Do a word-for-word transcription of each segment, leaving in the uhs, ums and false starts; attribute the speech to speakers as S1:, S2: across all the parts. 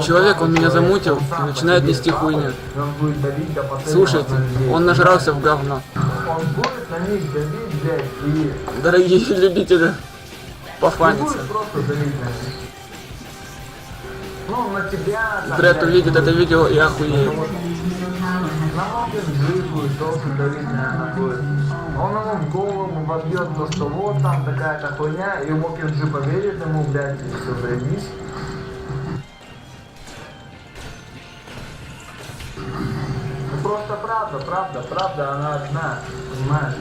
S1: человек, он меня замутил и начинает нести хуйню. Слушайте, он нажрался в говно.
S2: Он будет на них давить, блядь, и...
S1: Дорогие любители пофаниться.
S2: Ну, на тебя...
S1: Дред увидит это видео и охуеет.
S2: На Мокин Джи будет тоже давить, наверное, будет. Он ему в голову вобьет то, что вот там такая-то хуйня, и Мокин Джи поверит ему, блядь, и все, заебись. Ну просто правда, правда, правда, она одна, понимаешь?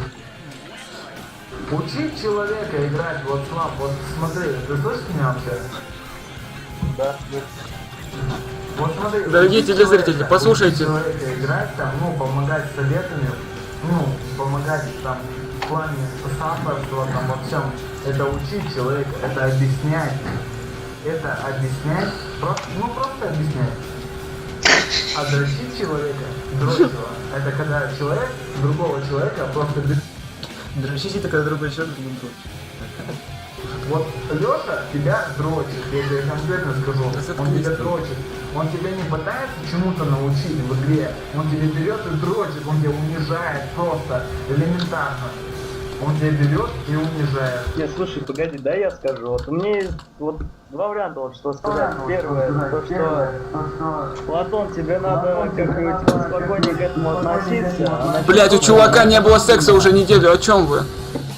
S2: Учить человека играть, вот Слав, вот смотри, ты слышишь меня вообще?
S3: Да.
S2: Вот смотри,
S1: дорогие телезрители, послушайте.
S2: Человека играть там, ну, помогать советами, ну, помогать там в плане соавторства, там во всем. Это учить человека, это объяснять. Это объяснять, просто, ну просто объяснять. А дрочить человека, дрочить его, это когда человек другого человека просто без...
S1: Дрочить это когда другой человек не дрочит.
S2: Вот Леша тебя дрочит, я тебе конкретно скажу, он тебя дрочит. Он тебя не пытается чему-то научить в игре, он тебя берет и дрочит, он тебя унижает просто, элементарно. Он тебя берет и унижает.
S3: Нет, слушай, погоди, да я скажу. Вот у меня есть вот два варианта, вот что сказать. Первое, то что Платон, тебе надо как-нибудь типа, спокойнее к этому относиться. А
S1: Блять, у чувака не было секса уже неделю, о чем вы?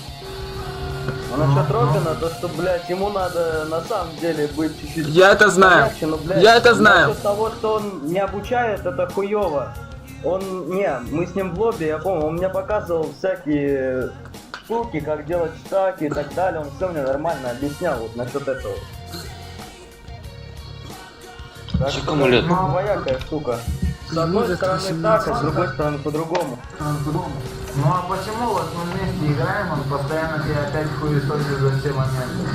S3: А насчет Робина, то что, блядь, ему надо на самом деле быть чуть-чуть...
S1: Я это знаю.
S3: помягче, но, блядь,
S1: Я это знаю.
S3: Насчет того, что он не обучает, это хуёво. Он, не, мы с ним в лобби, я помню, он мне показывал всякие штуки, как делать стаки и так далее, он все мне нормально объяснял вот насчет этого. Так что это двоякая штука. С одной стороны так, а с другой стороны по-другому.
S2: Ну а почему вот мы вместе играем, он постоянно тебя опять хуесосит за все моменты?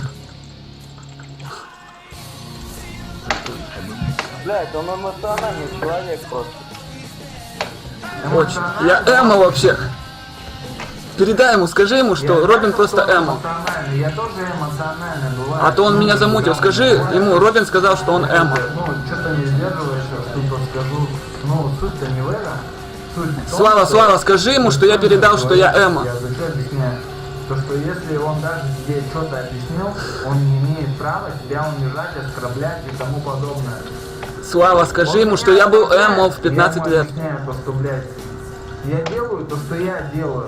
S3: Блядь, он эмоциональный человек просто.
S1: Очень. Я эмо вообще. Передай ему, скажи ему, что
S2: Я
S1: Робин
S2: знаю,
S1: просто
S2: что он
S1: эмо.
S2: эмоциональный, я тоже эмоциональный, бывает.
S1: А то он меня замутил. Скажи ему, Робин сказал, что он эмо.
S2: Ну, что-то не сдерживаешься, что-то скажу. Ну, суть-то не в этом. Суть в том,
S1: Слава,
S2: что-
S1: Слава, скажи ему, что я передал, что я эмо.
S2: Я зачем объясняю? То, что если он даже тебе что-то объяснил, он не имеет права тебя унижать, оскорблять и тому подобное.
S1: Слава, скажи ему, что я был эмо в пятнадцать
S2: я
S1: лет.
S2: Я объясняю то, что, блядь, я делаю то, что я делаю.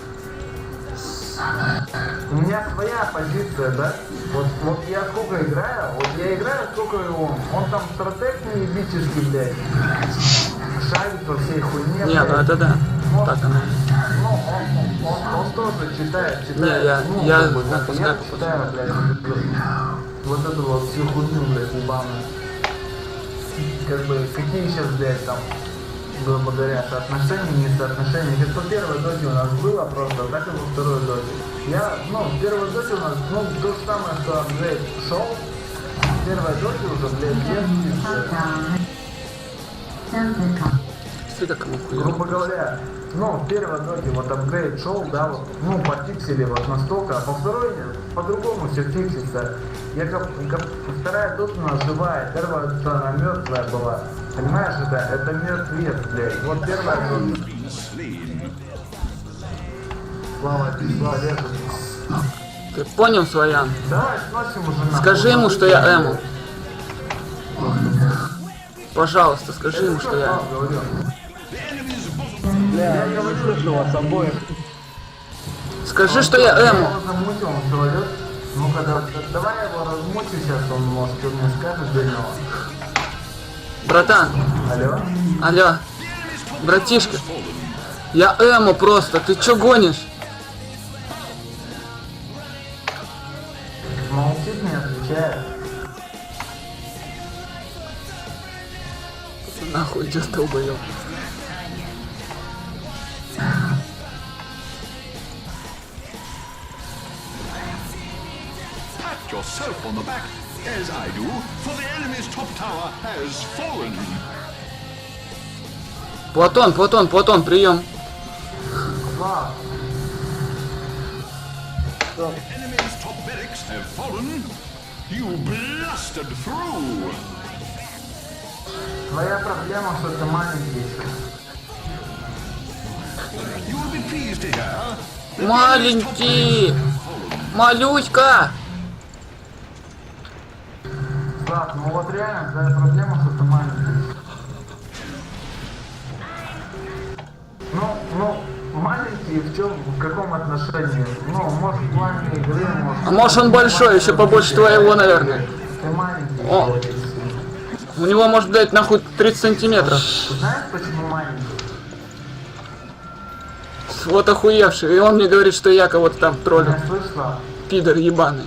S2: У меня своя позиция, да? Вот, вот я сколько играю, вот я играю, сколько и он. Он там стратег неебический, блядь. Шарит во всей хуйне.
S1: Нет, ну это да.
S2: Ну,
S1: Так оно.
S2: ну, он, он, он тоже читает, читает.
S1: Не, я-
S2: ну,
S1: я
S2: как бы,
S1: знаю,
S2: как
S1: знаю,
S2: я читаю, блядь, вот эту вот всю хуйню, блядь, ебаную. Как бы, какие сейчас, блядь, там, грубо говоря, соотношения, не соотношения. Как по первой доте у нас было просто, так и во второй доте. Я, ну, в первой доте у нас, ну, то же самое, что апгрейд шел. В первой доте уже, блядь, есть.
S1: Всегда кому хуя.
S2: Грубо говоря, ну, в первой доте вот апгрейд шел, да, вот, ну, пофиксили вот настолько, а по второй по-другому все фиксится. Я как, как вторая дота у нас живая, первая дота она мертвая была. Понимаешь, это, это мертвец, блядь. Вот первая дота. Слава, слава, лето.
S1: Ты понял, Своян?
S2: Давай сносим уже нахуй.
S1: Скажи ему, что я эмо. Пожалуйста, скажи ему, что я эмо.
S2: Говорю.
S3: Бля, я не слышу вас обоих.
S1: Скажи, что я эмо.
S2: его замутил, он человек. Ну-ка, да, давай я его размучу сейчас, он может, что мне скажет для него.
S1: Братан,
S2: Алло?
S1: алло, братишка, я эмо просто, ты чё гонишь?
S2: Молчит, не отвечает.
S1: Нахуй идёт, долбоёб.
S4: Yourself on the back, as I do, for the enemy's top tower has fallen.
S1: Платон, Платон, Платон, прием.
S2: Слав,
S4: Enemy's top barracks have fallen. You blasted through.
S2: Твоя проблема, что ты маленький еще.
S4: You will be pleased to hear.
S1: Маленький! Малючка!
S2: Слав, ну вот реально твоя проблема, что ты маленький. Ну, ну, маленький в чем, в каком отношении? Ну, может в плане игры, может...
S1: А может он большой, еще побольше твоего, наверное.
S2: Ты маленький.
S1: О. У него может, блядь, нахуй тридцать сантиметров.
S2: Знаешь, почему маленький?
S1: Вот охуевший. И он мне говорит, что я кого-то там троллю.
S2: Меня слышала?
S1: Пидор ебаный.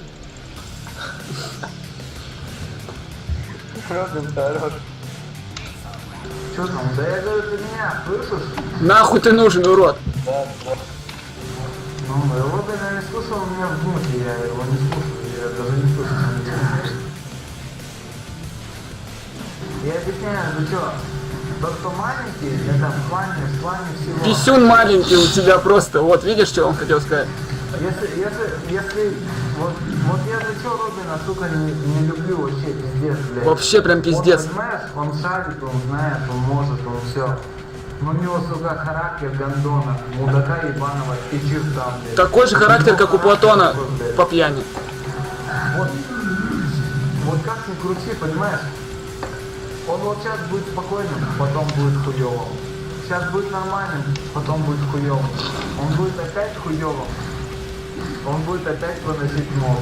S3: Робин хорош.
S2: Что там? Да я говорю, ты меня слышишь?
S1: Нахуй ты нужен, урод.
S3: Да, да.
S2: Ну, Робин я не слушал, у меня в духе, я его не слушаю, я даже не слышу. Я объясняю, ну что, тот, кто маленький, это в плане, в плане всего.
S1: Писюн маленький у тебя просто. Вот, видишь, что он хотел сказать?
S2: Если, если, если, вот, вот я за что Робина, сука, не, не люблю вообще, пиздец, блядь.
S1: Вообще прям пиздец.
S2: Он, понимаешь, он шарит, он знает, он может, он все. Но у него, сука, характер гондона, мудака ебаного и черта, блядь.
S1: Такой же характер, как у Платона
S2: такой, блядь.
S1: по пьяни.
S2: Вот, вот как ни крути, понимаешь? Он вот сейчас будет спокойным, потом будет хуёвым. Сейчас будет нормальным, потом будет хуёвым. Он будет опять хуёвым. Он будет опять выносить мозг.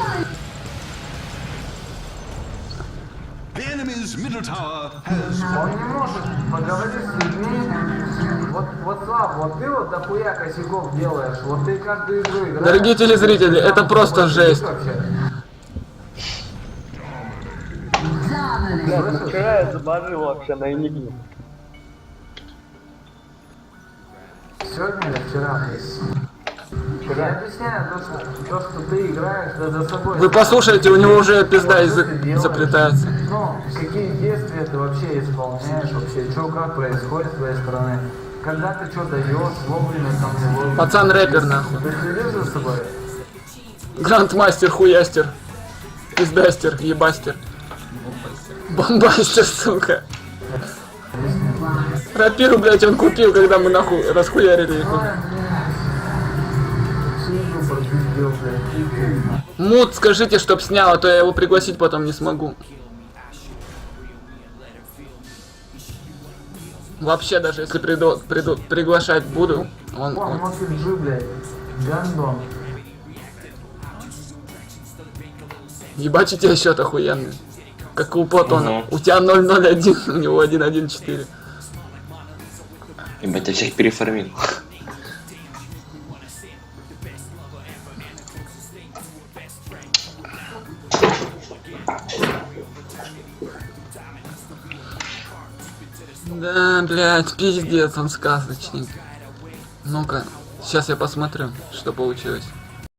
S4: The enemy's middle tower has...
S2: Он не может поговорить с людьми. Вот, вот Слав, вот ты вот дохуя косяков делаешь. Вот ты каждую игру играешь.
S1: Дорогие телезрители, это просто жесть.
S2: Вообще.
S3: Блядь, ну вчера я забожил вообще на Энигме.
S2: Сегодня или вчера? Я объясняю, то что, то, что ты играешь, да за собой.
S1: Вы послушайте, у него уже пизда
S2: Что
S1: язык
S2: ты делаешь?
S1: заплетается.
S2: Ну, какие действия ты вообще исполняешь, вообще, что как происходит с твоей стороны. Когда ты что даешь, вовремя там не вовремя.
S1: Пацан рэпер, нахуй.
S2: Ты следишь за собой?
S1: Грандмастер, хуястер. Пиздастер, ебастер. Бомбастер, сука. Рапиру, блядь, он купил, когда мы нахуй расхуярили их.
S2: Всю игру пропиздел, блядь.
S1: Мут, скажите, чтоб снял, а то я его пригласить потом не смогу. Вообще, даже если приду, приду, приглашать буду, он,
S2: О,
S1: он...
S2: Мокиджи, блядь. Гандон.
S1: Ебать, у тебя счет охуенный. Как у Платона.
S5: Угу.
S1: У тебя ноль ноль один, у него один один четыре.
S5: Ебать, я всех переформил.
S1: Да, блядь, пиздец, он сказочник. Ну-ка, сейчас я посмотрю, что получилось.